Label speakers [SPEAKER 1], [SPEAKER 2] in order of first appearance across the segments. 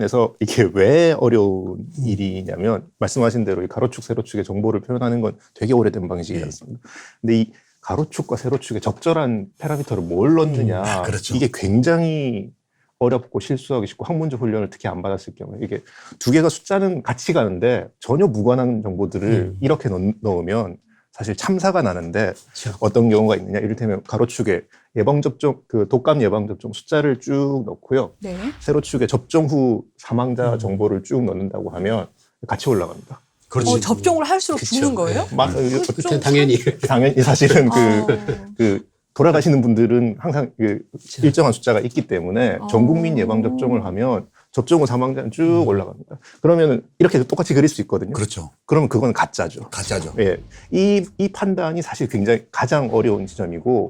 [SPEAKER 1] 면에서 이게 왜 어려운 일이냐면 말씀하신 대로 이 가로축, 세로축의 정보를 표현하는 건 되게 오래된 방식이지 않습니까? 근데 이 가로축과 세로축에 적절한 파라미터를 뭘 넣느냐
[SPEAKER 2] 그렇죠.
[SPEAKER 1] 이게 굉장히 어렵고 실수하기 쉽고 학문적 훈련을 특히 안 받았을 경우에 이게 두 개가 숫자는 같이 가는데 전혀 무관한 정보들을 이렇게 넣으면 사실 참사가 나는데
[SPEAKER 3] 그렇죠.
[SPEAKER 1] 어떤 경우가 있느냐 이를테면 가로축에 예방접종 그 독감 예방접종 숫자를 쭉 넣고요.
[SPEAKER 4] 네.
[SPEAKER 1] 세로축에 접종 후 사망자 정보를 쭉 넣는다고 하면 같이 올라갑니다.
[SPEAKER 2] 그렇지.
[SPEAKER 4] 접종을 할수록
[SPEAKER 3] 그쵸.
[SPEAKER 4] 죽는 거예요?
[SPEAKER 3] 그때 당연히
[SPEAKER 1] 당연히 사실은
[SPEAKER 4] 어.
[SPEAKER 1] 그 돌아가시는 분들은 항상 그 일정한 숫자가 있기 때문에 전 국민 예방 접종을 하면 접종 후 사망자는 쭉 올라갑니다. 그러면 이렇게 똑같이 그릴 수 있거든요.
[SPEAKER 2] 그렇죠.
[SPEAKER 1] 그러면 그건 가짜죠.
[SPEAKER 2] 가짜죠.
[SPEAKER 1] 예, 이 판단이 사실 굉장히 가장 어려운 지점이고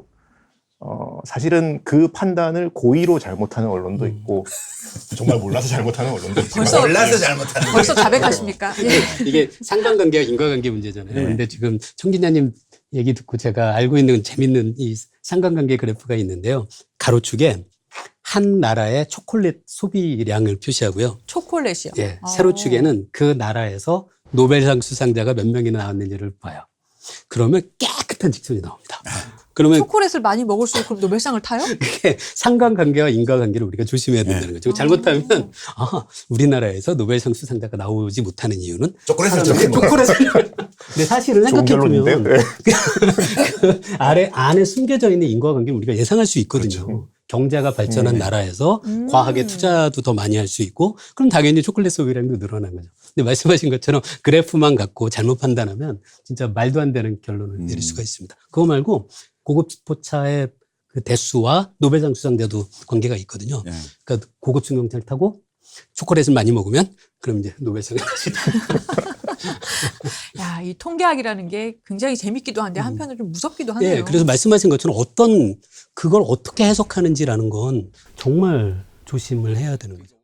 [SPEAKER 1] 사실은 그 판단을 고의로 잘못하는 언론도 있고 정말 몰라서 잘못하는 언론도 있고
[SPEAKER 4] 벌써
[SPEAKER 2] 몰라서 잘못하는
[SPEAKER 4] 벌써 자백하십니까? 예.
[SPEAKER 3] 이게 상관관계와 인과관계 문제잖아요.
[SPEAKER 1] 네.
[SPEAKER 3] 근데 지금 청 기자님 얘기 듣고 제가 알고 있는 재밌는 이 상관관계 그래프가 있는데요. 가로축에 한 나라의 초콜릿 소비량을 표시하고요.
[SPEAKER 4] 초콜릿이요.
[SPEAKER 3] 예, 세로축에는 그 나라에서 노벨상 수상자가 몇 명이나 나왔는지를 봐요. 그러면 깨끗한 직선이 나옵니다. 그러면
[SPEAKER 4] 초콜릿을 많이 먹을수록 그럼 노벨상을 타요?
[SPEAKER 3] 그게 상관관계와 인과관계를 우리가 조심해야 된다는 거죠. 잘못하면 우리나라에서 노벨상 수상자가 나오지 못하는 이유는
[SPEAKER 2] 초콜릿을
[SPEAKER 3] 사람이 초콜릿을 근데 사실은
[SPEAKER 1] 좋은
[SPEAKER 3] 생각해보면
[SPEAKER 1] 결론인데요?
[SPEAKER 3] 그 안에 숨겨져 있는 인과관계를 우리가 예상할 수 있거든요.
[SPEAKER 2] 그렇죠.
[SPEAKER 3] 경제가 발전한 나라에서 과학에 투자도 더 많이 할 수 있고 그럼 당연히 초콜릿 소비량도 늘어난 거죠. 근데 말씀하신 것처럼 그래프만 갖고 잘못 판단하면 진짜 말도 안 되는 결론을 내릴 수가 있습니다. 그거 말고 고급 포차의 그 대수와 노벨상 수상자도 관계가 있거든요.
[SPEAKER 2] 예.
[SPEAKER 3] 그러니까 고급 승용차를 타고 초콜릿을 많이 먹으면 그럼 이제 노벨상을 타시다.
[SPEAKER 4] 야, 이 통계학이라는 게 굉장히 재밌기도 한데 한편으로 좀 무섭기도 하네요.
[SPEAKER 3] 예, 그래서 말씀하신 것처럼 그걸 어떻게 해석하는지라는 건 정말 조심을 해야 되는 거죠.